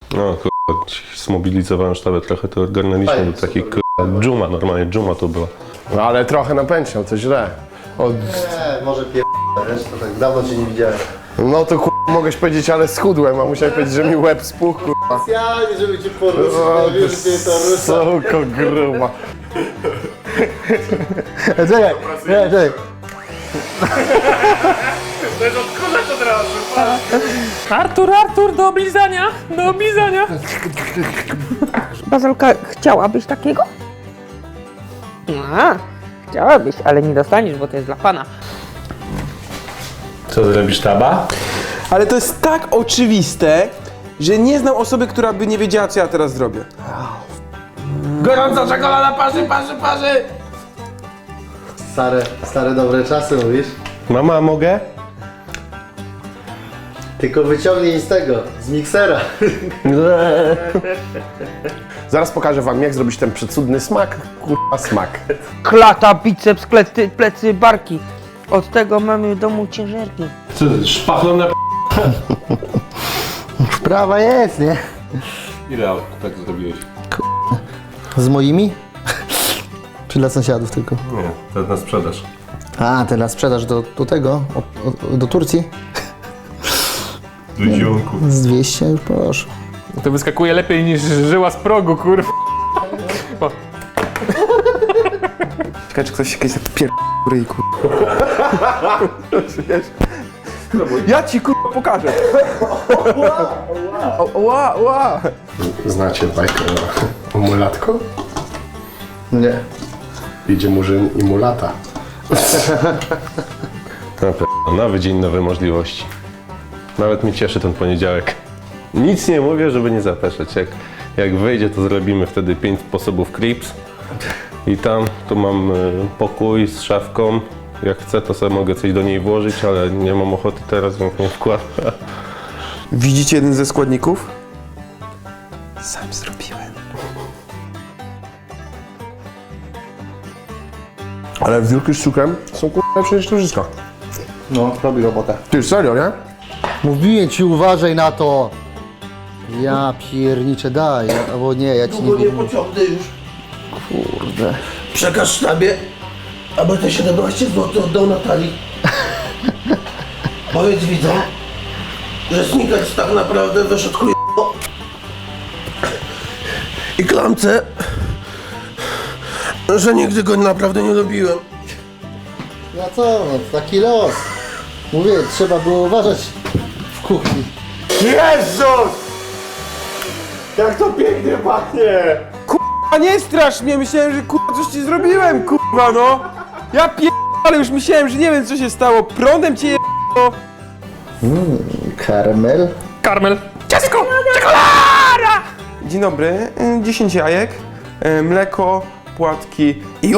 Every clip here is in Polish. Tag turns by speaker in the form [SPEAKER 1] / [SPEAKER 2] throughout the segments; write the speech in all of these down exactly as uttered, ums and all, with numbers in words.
[SPEAKER 1] No kurwa, zmobilizowałem sztabę trochę, to ogarnęliśmy do takich kurwa, dżuma, normalnie dżuma to była.
[SPEAKER 2] No ale trochę napęczniał, to źle. Od...
[SPEAKER 3] Nie, może pier... wiesz, to tak dawno cię nie widziałem.
[SPEAKER 2] No to kurwa, mogłeś powiedzieć, ale schudłem, a musiałeś powiedzieć, że mi łeb spuchł, kurwa.
[SPEAKER 3] Specjalnie, żeby cię poruszyć,
[SPEAKER 2] O,
[SPEAKER 3] no wiesz, że to rusza.
[SPEAKER 2] Suko gruba.
[SPEAKER 3] Czekaj, czekaj, czekaj.
[SPEAKER 4] To jest odkurzać od razu. Artur, Artur, do oblizania, do oblizania.
[SPEAKER 5] Bazalka, chciałabyś takiego? A, chciałabyś, ale nie dostaniesz, bo to jest dla pana.
[SPEAKER 1] Co zrobisz, taba?
[SPEAKER 6] Ale to jest tak oczywiste, że nie znam osoby, która by nie wiedziała, co ja teraz zrobię. Gorąca czekolada, parzy, parzy, parzy!
[SPEAKER 3] Stare, stare dobre czasy mówisz?
[SPEAKER 1] Mama, a mogę?
[SPEAKER 3] Tylko wyciągnij z tego, z miksera.
[SPEAKER 2] Zaraz pokażę wam, jak zrobić ten przecudny smak, kurwa smak.
[SPEAKER 5] Klata, biceps, plecy, plecy, barki. Od tego mamy w domu ciężarki.
[SPEAKER 1] Co, szpachlą na p...
[SPEAKER 3] Wprawa jest, nie?
[SPEAKER 1] Ile tak zrobiłeś?
[SPEAKER 3] Z moimi? Czy dla sąsiadów tylko?
[SPEAKER 1] Nie, to na sprzedaż.
[SPEAKER 3] A, teraz sprzedaż do, do tego, o, o, do Turcji?
[SPEAKER 1] Do zionku.
[SPEAKER 3] Z dwieście już proszę.
[SPEAKER 4] To wyskakuje lepiej niż żyła z progu, kurwa.
[SPEAKER 6] Czekaj, czy ktoś się kiedyś tak pier... ryj, kurwa. Ja ci kurwa pokażę. O, ła, ła.
[SPEAKER 2] Znacie bajkę o mulatko?
[SPEAKER 3] Nie.
[SPEAKER 2] Idzie murzyn i mulata.
[SPEAKER 1] Na pewno, nowy dzień, nowe możliwości. Nawet mnie cieszy ten poniedziałek. Nic nie mówię, żeby nie zapeszać. Jak, jak wyjdzie, to zrobimy wtedy pięć sposobów creeps. I tam, tu mam y, pokój z szafką. Jak chcę, to sobie mogę coś do niej włożyć, ale nie mam ochoty teraz, więc nie wkładam.
[SPEAKER 6] Widzicie jeden ze składników? Sam zrobiłem.
[SPEAKER 2] Ale wiórki z cukrem są kurwa lepsze niż to wszystko.
[SPEAKER 3] No, robi robotę.
[SPEAKER 2] Ty, serio, nie?
[SPEAKER 3] Mówiłem ci, uważaj na to. Ja pierniczę, daj, albo nie, ja ci nie
[SPEAKER 7] Długo nie
[SPEAKER 3] wiem.
[SPEAKER 7] pociągnę już.
[SPEAKER 3] Kurde.
[SPEAKER 7] Przekaż sztabie, aby te siedemnaście złotych oddał Natalii. Powiedz widzom, że Snickers tak naprawdę wyszedł chuj... I klamce, że nigdy go naprawdę nie lubiłem.
[SPEAKER 3] No co, no, taki los. Mówię, trzeba było uważać w kuchni.
[SPEAKER 2] Jezus! Jak to pięknie pachnie!
[SPEAKER 6] A nie strasz mnie, myślałem, że kurwa coś ci zrobiłem, kurwa no! Ja pier... ale już myślałem, że nie wiem co się stało. Prądem cię je...
[SPEAKER 3] Karmel.
[SPEAKER 4] Karmel.
[SPEAKER 6] Ciastko! Czekolada! Dzień dobry, y, dziesięć jajek, y, mleko, płatki i...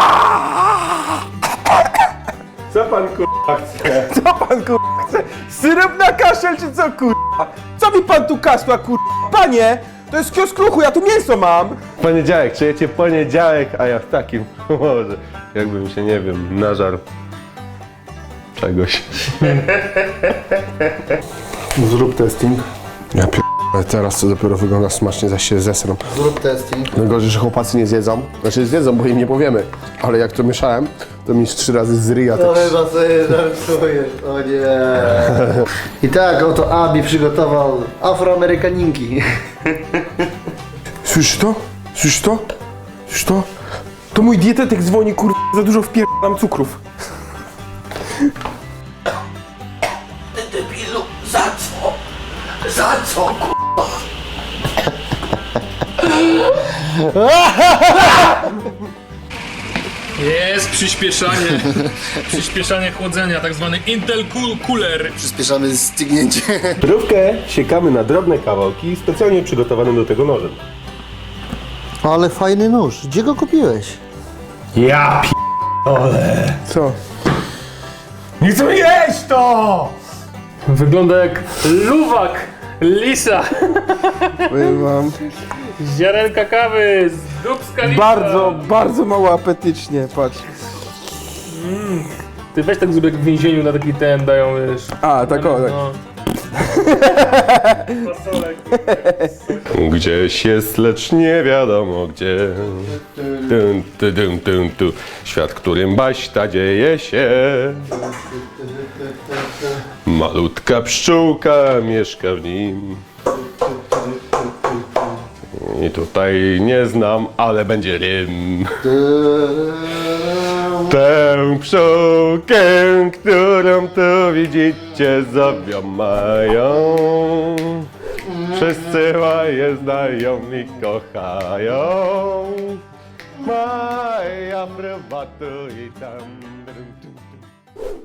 [SPEAKER 1] Co pan kurwa chce?
[SPEAKER 6] Co pan kurwa chce? Syrop na kaszel czy co kurwa? Co mi pan tu kasła kurwa? Panie, to jest kiosk ruchu, ja tu mięso mam!
[SPEAKER 1] Poniedziałek, czujecie poniedziałek, a ja w takim może jakbym się, nie wiem, nażarł czegoś.
[SPEAKER 2] Zrób testing. Ja pier... ale teraz to dopiero wygląda smacznie, zaś się zesram.
[SPEAKER 3] Zrób testing.
[SPEAKER 2] Najgorzej, że chłopacy nie zjedzą. Znaczy zjedzą, bo im nie powiemy. Ale jak to mieszałem, to mi z trzy razy z ryja
[SPEAKER 3] No
[SPEAKER 2] tak...
[SPEAKER 3] chyba sobie żartujesz, o nie. I tak oto Abi przygotował afroamerykaninki.
[SPEAKER 6] Słyszysz to? Słyszysz to? Słyszysz to? To mój dietetyk dzwoni kurwa, za dużo wpierdalam cukrów.
[SPEAKER 7] Ty debilu, za co? Za co, kurwa?
[SPEAKER 4] Jest przyspieszanie. Przyspieszanie chłodzenia, tak zwany Intel Cool Cooler.
[SPEAKER 3] Przyspieszamy stygnięcie.
[SPEAKER 1] Prówkę siekamy na drobne kawałki, specjalnie przygotowanym do tego nożem.
[SPEAKER 3] Ale fajny nóż, gdzie go kupiłeś?
[SPEAKER 1] Ja p...
[SPEAKER 2] Co?
[SPEAKER 1] Nie chcę jeść to!
[SPEAKER 4] Wygląda jak luwak lisa.
[SPEAKER 2] Powiem wam,
[SPEAKER 4] Z ziarenka kawy, z dubska lisa.
[SPEAKER 6] Bardzo, bardzo mało apetycznie, patrz.
[SPEAKER 4] Ty weź tak zrób jak w więzieniu na taki ten dają, wiesz.
[SPEAKER 6] A, tak o, tak.
[SPEAKER 4] No. Fasolek.
[SPEAKER 1] Gdzieś jest, lecz nie wiadomo gdzie. Dun, tu, dun, dun, tu. Świat, którym baśta dzieje się. Malutka pszczółka mieszka w nim. I tutaj nie znam, ale będzie rym. Tę pszczółkę, którą tu widzicie, zowią mają. Wszyscy je znają i kochają. Maja prywatu i tam.